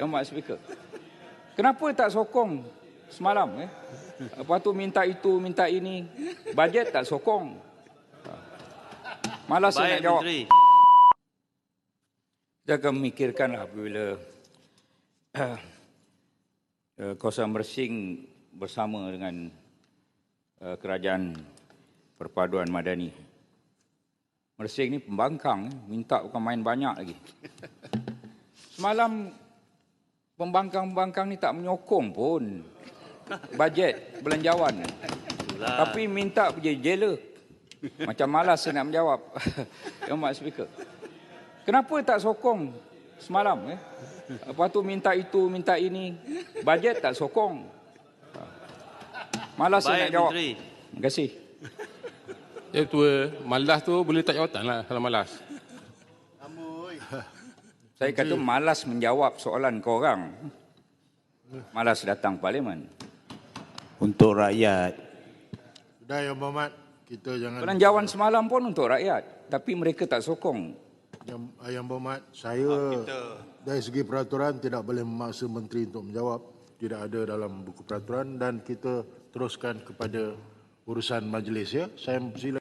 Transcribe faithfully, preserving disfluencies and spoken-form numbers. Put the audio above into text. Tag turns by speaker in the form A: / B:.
A: Yang Mak Speaker. Kenapa tak sokong semalam? Eh? Lepas tu minta itu, minta ini. Bajet tak sokong. Malas saya nak jawab.
B: Menteri.
A: Kita akan memikirkanlah apabila uh, uh, kawasan Mersing bersama dengan uh, kerajaan perpaduan Madani. Mersing ni pembangkang, eh? Minta bukan main banyak lagi. Semalam pembangkang-pembangkang ni tak menyokong pun bajet belanjawan.
B: Itulah.
A: Tapi minta pergi jela. Macam malas saya nak menjawab. Yang Mak Speaker. Kenapa tak sokong semalam? Eh? Lepas tu minta itu, minta ini. Bajet tak sokong. Malas saya nak jawab.
B: Menteri.
A: Terima kasih.
C: Ya tua, malas tu boleh tak jawatan lah kalau malas.
A: Saya kata malas menjawab soalan korang. Malas datang parlimen.
D: Untuk rakyat.
E: Sudah ya Muhammad, kita jangan...
A: Belanjawan semalam pun untuk rakyat. Tapi mereka tak sokong.
E: Yang, yang Muhammad, saya dari segi peraturan tidak boleh memaksa menteri untuk menjawab. Tidak ada dalam buku peraturan dan kita teruskan kepada urusan majlis ya. Saya sila